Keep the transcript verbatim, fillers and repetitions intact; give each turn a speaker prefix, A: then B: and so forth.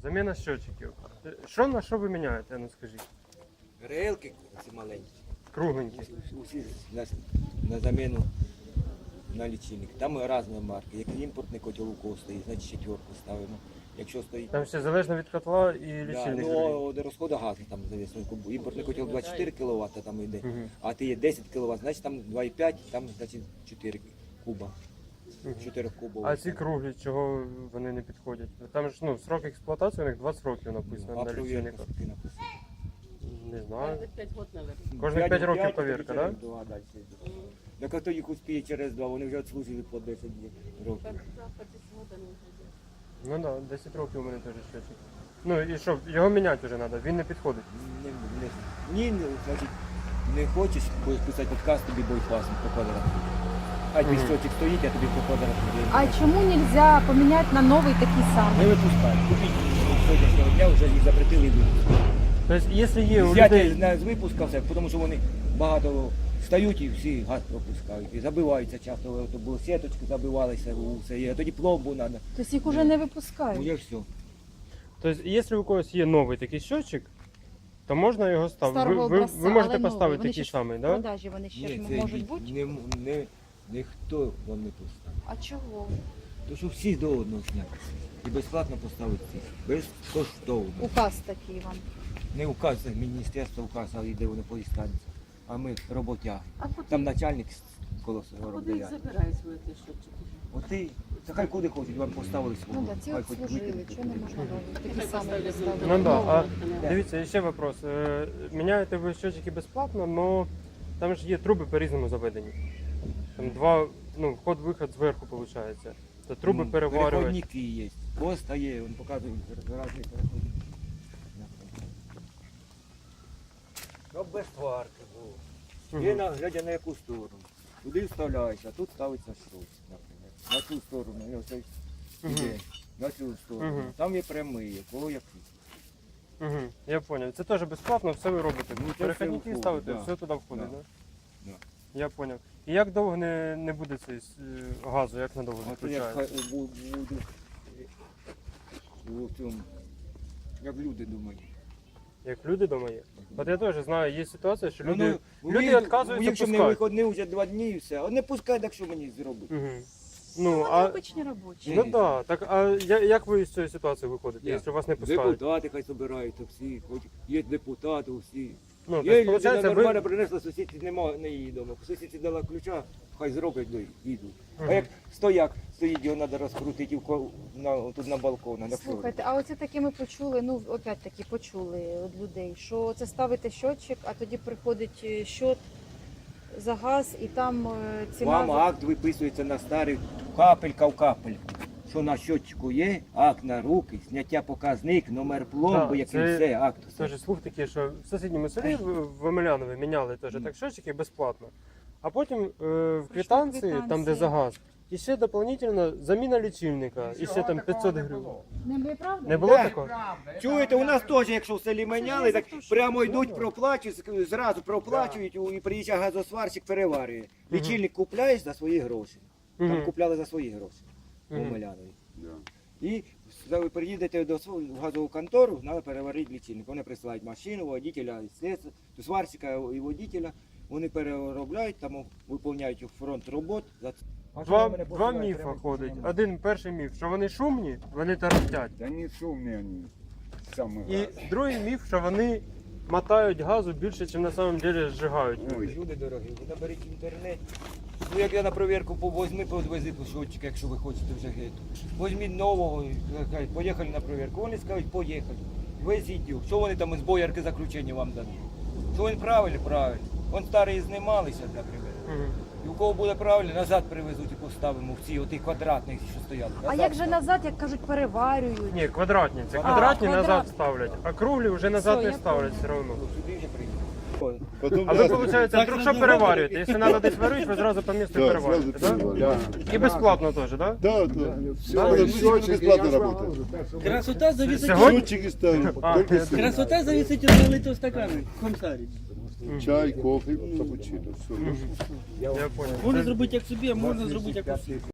A: Заміна щотчиків. Що на що ви міняєте, ну скажіть?
B: Релки ці маленькі.
A: Кругленькі.
B: Усі на, на заміну на лічильник. Там різні марки. Як імпортний котел у кого стоїть, значить четверку ставимо. Якщо стоїть...
A: Там ще залежно від котла і
B: Да,
A: лічильник.
B: ну, до розходу газу там завісно. Імпортний котел двадцять чотири кіловата там йде,
A: Мгм.
B: а ти є десять кіловат, значить там два і п'ять, там значить чотири куба. чотири кубов.
A: А ці круглі, чого вони не підходять? Там ж ну, срок експлуатації у них двадцять років написано
B: А
A: на
B: провірка
A: лічильниках.
B: скільки написано?
A: Не знаю.
C: Каждых пять год, наверное.
A: Кожних п'ять років повірка, так?
B: Да? Так а хто їх успіє через два, вони вже відслужили по десять років.
C: По, да, по десять год они уже
A: Ну
C: делают.
A: так, да, десять років у мене теж щотчик. Ну і що, його міняти вже треба, він не підходить.
B: Не, не, ні, не, значить, не хочеш, будеш писати підказ, тобі бойфасом по квадрату. Хай твій
A: Мгм.
B: щотчик стоїть, а тобі по квадрату.
D: А чому нельзя поменять на новий такий
B: Не
D: самий?
B: випускай. Купіть з сьогоднішнього дня, вже їх запретили і випускати.
A: Тобто, якщо є у
B: Взяти
A: людей...
B: на- з випуска все, тому що вони багато стають і всі газ пропускають. І забиваються часто, то було сіточки, забивалися, все, і тоді пломбу треба.
D: Тобто їх уже не
B: Ну
D: випускають.
B: є все.
A: Тобто, якщо у когось є новий такий щотчик, то можна його ставити. Ви,
D: Старого
A: ви,
D: образця,
A: ви можете
D: але новий.
A: поставити
D: Вони
A: такий
D: ще ж
A: самий,
D: в
A: так? Да?
D: продажі вони ще ж
B: це
D: можуть
B: ні-
D: бути.
B: Не, не, ніхто вам не поставить.
D: А чого?
B: То що всі до одного зняти. І безплатно поставити всіх. Безкоштовно.
D: Указ такий вам.
B: Не указ, це міністерство указ, а йде вони по інстанції. А ми роботяги.
C: А куда,
B: Там начальник коло
C: а куда их
B: робляє.
C: забирают в эти счетчики?
B: От ти, та хай куди хочуть, вам поставили свого.
D: Ну так, ці
B: Хай
D: от
B: хоч
D: служили,
B: викинуть,
D: чого не
B: куди.
D: можна новий? Такий
C: Хай
D: самий
C: поставлять
D: поставити.
A: Ну да, а
C: Да.
A: дивіться, ще вопрос. Е, Міняєте ви щотчики безплатно, але там ж є труби по-різному заведені. Там два, ну, вход-виход зверху виходить. То труби
B: Ну,
A: переварювати.
B: Переходники є. Поста є, він показує різні переходники. Щоб без сварки було. Є
A: Мгм.
B: на, глядя на яку сторону. Туди вставляється, а тут ставиться шрус, наприклад. На цю сторону, і оцей іде,
A: Мгм.
B: на цю сторону.
A: Мгм.
B: Там є прямий, кого як.
A: Угу, я зрозумів. Це теж безплатно, все ви робите.
B: Ну, це все
A: Перехідники
B: входить,
A: ставите,
B: да.
A: все туди входить,
B: Да.
A: так?
B: Да.
A: Я зрозумів. І як довго не, не буде цей е, газу, як надовго
B: А то як
A: виключається?
B: хай у- бу- буду у цьому, як люди думають.
A: Як люди вдома є? От я теж знаю, є ситуація, що люди...
B: Ну,
A: люди
B: ви-
A: відказуються
B: якщо мені
A: пускати.
B: виходний вже два дні і все, а не пускай, так що мені зробити.
A: Угу. Ну,
D: Вони
A: а...
D: обичні робочі.
A: Ну так, так, а я- як ви з цієї ситуації виходите,
B: Як?
A: якщо вас не пускають?
B: Депутати хай збираються всі, хоч є депутати усі.
A: Ну,
B: Є
A: тобто,
B: людина
A: виходить,
B: нормально
A: ви...
B: принесла, сусідці немає, не її вдома. Сусідці дала ключа, хай зроблять, ну, і йдуть.
A: Мгм.
B: А як стояк стоїть, його треба розкрутити і в ко- на, тут на балкон, на флорі.
D: Слухайте, а оце таке ми почули, ну опять таки почули від людей, що це ставите щотчик, а тоді приходить е, щот за газ і там е, ціна...
B: Вам
D: за-
B: акт виписується на старий капелька в капельку. Що на щотчику є, акт на руки, зняття показник, номер пломби,
A: Так,
B: який
A: це-
B: все, акт. все.
A: Теж слух такий, що в сусідньому селі в в Омелянові міняли теж так щотчики безплатно. А потім е, в квитанції, там де
D: квитанції.
A: за газ, і ще дополнительно заміна лічильника, і ще там п'ятсот гривень.
D: Не було правда?
A: Не було
B: Да.
A: такого?
B: Чуєте, у нас теж, якщо в селі міняли, так
D: за те, що-
B: прямо йдуть, проплачують, зразу проплачують, і приїжджає газосварщик, переварює. Лічильник купляєш за свої гроші. Там
A: Мгм.
B: купляли за свої гроші у
A: Мгм.
B: Омелянові. І ви приїдете до свого в газову контору, треба переварити лічильник. Вони присилають машину, водителя, слідства, то сварщика і водителя. Вони переробляють, там виповняють фронт робот. За це. А що
A: Два,
B: ви мене
A: два
B: посилаєте?
A: міфа
B: Треба
A: ходить.
B: нормально.
A: Один перший міф, що вони шумні, вони тарахтять.
E: Да не шумные они, самые
A: І
E: разные.
A: другий міф, що вони мотають газу більше, ніж на самом деле зжигають.
E: Ой,
B: Люди дорогі, ви наберіть в інтернеті. Ну як я на перевірку повозьми, подвези по щотчика, якщо ви хочете вже геть. Возьміть нового, кажуть, поїхали на перевірку. Вони скажуть, поїхали. Везіть його. Що вони там із боярки заключення вам дадуть? Що він правильно? Правильно. Вон старі знімалися, наприклад.
A: Мгм.
B: І у кого буде правильно, назад привезуть і поставимо в ці оті квадратні, що стояли.
D: А
B: Назад
D: як же
B: ставимо.
D: назад, як кажуть, переварюють?
A: Ні, квадратні. Це
B: А,
A: квадратні
D: квадрат.
A: назад ставлять, а круглі вже назад
D: Все,
A: не
D: я
A: ставлять
D: поняла.
A: все одно.
B: Ну, сюди вже приїхали.
E: Потом
A: А ви,
E: раз-
A: виходить, вдруг що переварюєте? Якщо треба десь варити, ви зразу по місту
E: Да,
A: переварюєте,
E: сразу
A: так?
E: перевариваю.
A: І безплатно теж, так?
E: Да, да. Все, все бесплатно работает.
F: Красота зависит,
A: Сьогодні?
E: Счетчики ставим,
A: А,
E: только
A: я-
E: все.
F: красота зависит от налитого стакана, комсарі.
E: Чай, кофе, капучино, все.
A: Я зрозумів.
F: Можна зробити як собі, а можна зробити як усі.